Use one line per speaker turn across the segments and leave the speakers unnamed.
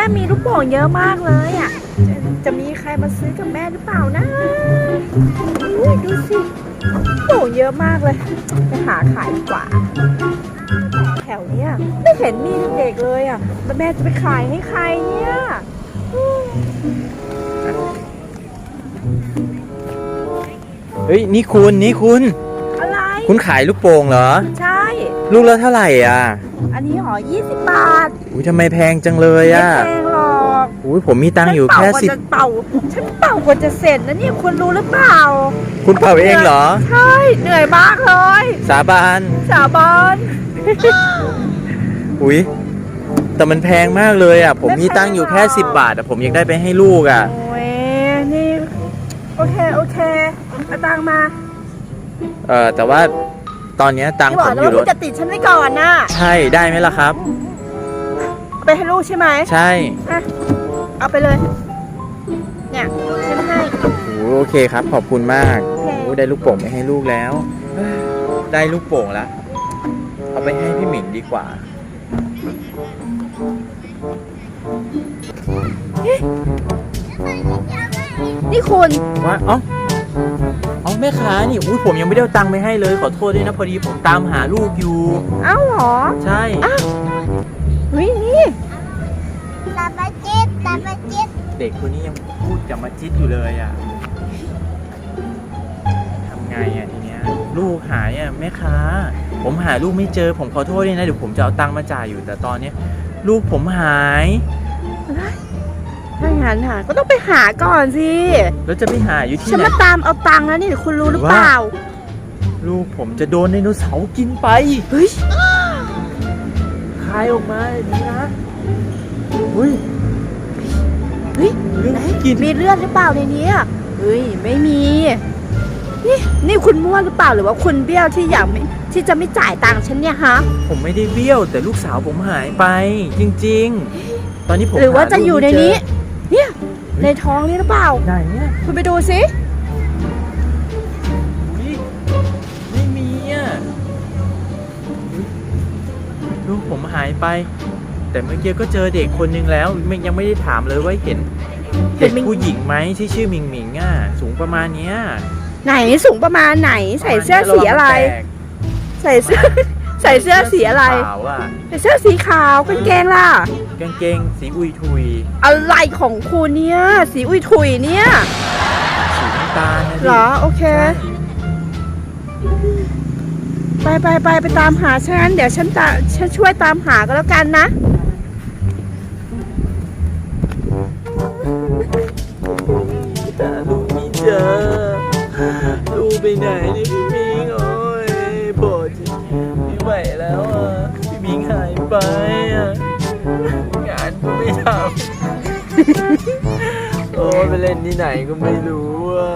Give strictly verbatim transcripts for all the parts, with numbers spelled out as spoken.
มีลูกโป่งเยอะมากเลยอ่ะจะจะมีใครมาซื้อกับแม่หรือเปล่านะอุ๊ยดูสิลูกโป่งเยอะมากเลยไปหาขายดีกว่าแถวเนี้ยไม่เห็นมีเด็กเลยอ่ะแล้วแม่จะไปขายให้ใครเนี่ย
เฮ้ยนี่คุณนี่คุณ
อะไร
คุณขายลูกโป่งเหรอ
ใช่
ลูกละเท่าไหร่อ่ะ
อันนี้หอยี่สิบบาท
อุ้ยทำไมแพงจังเลยอ่ะ
ไม่แพงหรอก
อุ้ยผมมีตังค์อยู่แค่สิบ
เป่าฉันเป่ากว่าจะเสร็จนะเนี่ยคุณรู้หรือเปล่า
คุณเป่าเองเหรอ
ใช่เหนื่อยมากเลย
สาบาน
สาบาน
อุ้ยแต่มันแพงมากเลยอ่ะผมมีตังค์อยู่แค่สิบบาทแต่ผมยังได้ไปให้ลูกอ่ะ
โอ้ยนี่โอเคโอเคเอาตังค์มา
เออแต่ว่าตอนนี้ตังค์ผมอยู่รถ
จะติดฉันไว้ก่อนนะ
ใช่ได้ไหมล่ะครับ
ไปให้ลูกใช่ไหม
ใช่
เอาไปเลยเนี่ยฉันให้
โอเคครับขอบคุณมากโอ้ได้ลูกโป่งไปให้ลูกแล้วได้ลูกโป่งแล้วเอาไปให้พี่หมิงดีกว่า
นี่คุณ
ว่าเอ้าเอาแม่ค้านี่อุ้ยผมยังไม่ได้เอาตังค์ไปให้เลยขอโทษด้วยนะพอดีผมตามหาลูกอยู่
เอ้าเหรอ
ใช่
อ้าวเฮ้ยนี่
ตาปาจิตตาปาจิต
เด็กคนนี้ยังพูดกับมาจิตอยู่เลยอ่ะทำไงอ่ะทีเนี้ยลูกหายอ่ะแม่ค้าผมหาลูกไม่เจอผมขอโทษด้วยนะเดี๋ยวผมจะเอาตังค์มาจ่ายอยู่แต่ตอนนี้ลูกผมหาย
ถ้างั้นหาก็ต้องไปหาก่อนสิ
แล้วจะไปหาอยู่ที่ไหน
ฉันมาตามเอาตังค์แล้วนี่คุณรู้หรือเปล่า
ลูกผมจะโดนไดโนเสาร์กินไป
เฮ้ย
คายออกมาดีนะเฮ้ย
เฮ้ยมีเลือดหรือเปล่าในนี้เฮ้ยไม่มีนี่นี่คุณมั่วหรือเปล่าหรือว่าคุณเบี้ยวที่อยากที่จะไม่จ่ายตังค์ฉันเนี่ยฮะ
ผมไม่ได้เบี้ยวแต่ลูกสาวผมหายไปจริงๆตอนนี้ผม
หรือว่าจะอยู่ในนี้เนี่ยในท้องนี่หรือเปล่า
ไหนเนี่ย
คุณไปดูสิ
ไม่มีอ่ะลูกผมหายไปแต่เมื่อกี้ก็เจอเด็กคนนึงแล้วยังไม่ได้ถามเลยว่าเห็นเด็กผู้หญิงไหมที่ชื่อหมิงหมิงอ่ะสูงประมาณเนี้ย
ไหนสูงประมาณไหนใส่เสื้อสีอะไรใส่เสื้อใส่เสื้อสีอะไรใส่เสื้อสีขาวกางเกงล่ะ
กางเกงสีอุยทุย
อะไรของคุณเนี่ยสีอุยทุยเนี่ย
สีน้ำตาลนะ
เหรอโอเคไปไปไปไปตามหาฉันเดี๋ยวฉันจะฉันช่วยตามหาก็แล้วกันนะ
แต่ลูกไม่เจอลูกไปไหนนี่พี่มิงโอ้ยปวดไม่ไหวแล้วอ่ะพี่มิงหายไปอ่ะงานก็ไม่ทำโอ้ไปเล่นที่ไหนก็ไม่รู้อ่ะ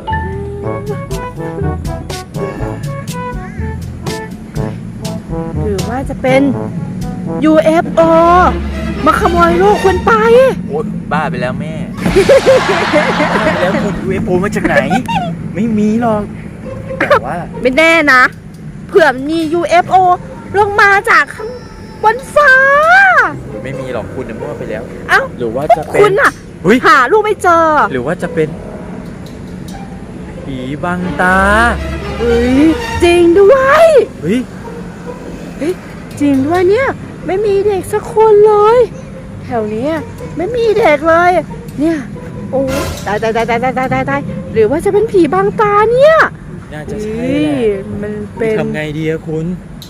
หรือว่าจะเป็น ยู เอฟ โอ มาขโมยลูกคุณไป
โอ้บ้าไปแล้วแม่บ้าไปแล้วคุณ ยู เอฟ โอ มาจากไหนไม่มีหรอกแต่ว่า
ไม่แน่นะเผื่อมี ยู เอฟ โอ ลงมาจากข้างบนฟ้า
ไม่มีหรอกคุณมั่วไปแล้ว
เอ้า
หรือว่าจะเป็น
คุณอะหาลูกไม่เจอ
หรือว่าจะเป็นผีบังตา
เฮ้ยจริงด้วย
เฮ้ย
เฮ้ยจริงด้วยเนี่ยไม่มีเด็กสักคนเลยแถวนี้ไม่มีเด็กเลยเนี่ยโอ้ตายตายตายตายตายตายตายหรือว่าจะเป็นผีบังตาเนี่ย
น่าจะใช่
มันเป็น
ทำไงดีอะคุณ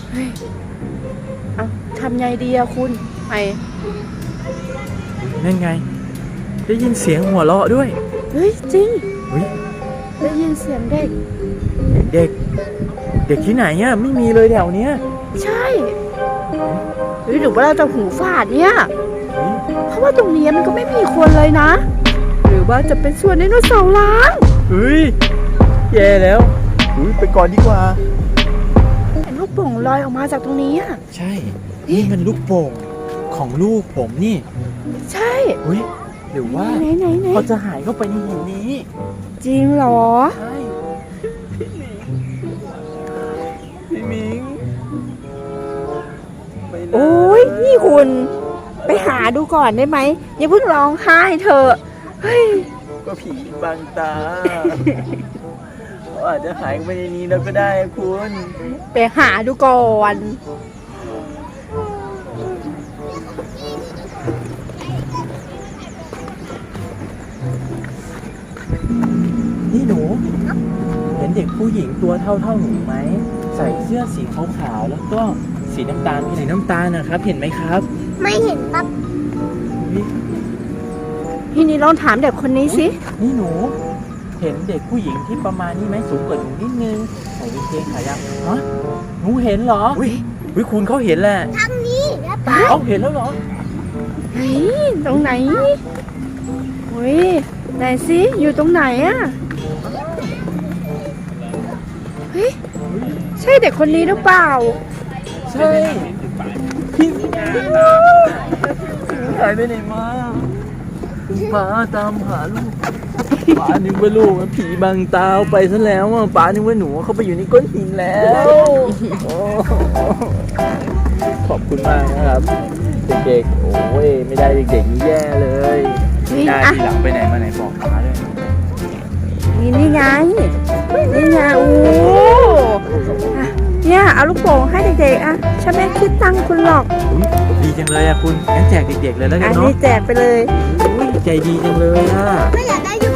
เอาทำไงดีอะคุณไอ
นั่นไงได้ยินเสียงหัวเราะด้วย
เฮ้ยจริง
เฮ้ย
ได้ยินเสียงเด็ก
เด็กเด็กที่ไหนอะไม่มีเลยแถวเนี้ย
ใช่หรือหรือว่าเราจะหูฝาดเนี่ยเพราะว่าตรงนี้มันก็ไม่มีคนเลยนะหรือว่าจะเป็นส่วนไดโนเสาร์ล้าง
เฮ้ยแย่แล้วอุ้ยไปก่อนดีกว่า
เห็นลูกโป่งลอยออกมาจากตรงนี้อ่ะ
ใช่นี่มันลูกโป่งของลูกผมนี่
ใช่
เฮ้ยหรือว่าเขาจะหายเข้าไปในหินนี้
จริงเหรอ
ใช่พี่มิง
โอ้ยนี่คุณไปหาดูก่อนได้ไหมอย่าเพิ่งร้องไห้เถอะเฮ้ย
ก็ผีบังตาเขาอาจจะหายไปในนี้แล้วก็ได้คุณ
ไปหาดูก่อน
นี่หนู เห็นเด็กผู้หญิงตัวเท่าเท่าหนูไหมใส่เสื้อสีขาวๆแล้วก็สีน้ำตาลสีน้ำตาลนะครับ เห็นไหมครับ
ไม่เห็นครับ
อุ๊ย
พี่นี่ลองถามเด็กคนนี้สิ
นี่หนู เห็นเด็กผู้หญิงที่ประมาณนี้ไหมสูงกว่าหนูนิดนึงใส่กางเกงขายาวฮะหนูเห็นเหรออุ้ยอุ้ยคุณเขาเห็นแหละ
ทางนี้แล้วไป
เอาเห็นแล้วเหรอ
ไหนตรงไหนเฮ้ยไหนสิอยู่ตรงไหนอะเฮ้ยใช่เด็กคนนี้หรือเปล่า
ใช่พี่หายไปไหนมาป้าตามหาลูกป้านึกว่าลูกผีบังตาเอาไปซะแล้วอ่ะป้านึกว่าหนูเขาไปอยู่ในก้อนหินแล้วโอ้ขอบคุณมากนะครับ เด็กๆโอ้ยไม่ได้เด็กๆนี่แย่เลย
นี่
ได้
อ่ะ
ทีหลังไปไหนมาไหนบอกป้าด้วย
นี่นี่ไงนี่ไงโอ้อ่ะเนี่ยเอาลูกโป่งให้เด็กๆอ่ะฉันไม่คิดตังค์คุณหรอก
อุ๊ยดีจังเลยอ่ะคุณงั้นแจกเด็กๆเลยแล้วกั
อั
น
น
เนาะ
นี้แจกไปเลย
อุ๊ยใจดีจังเลยอ่ะ
ไม่อยากได้ลูก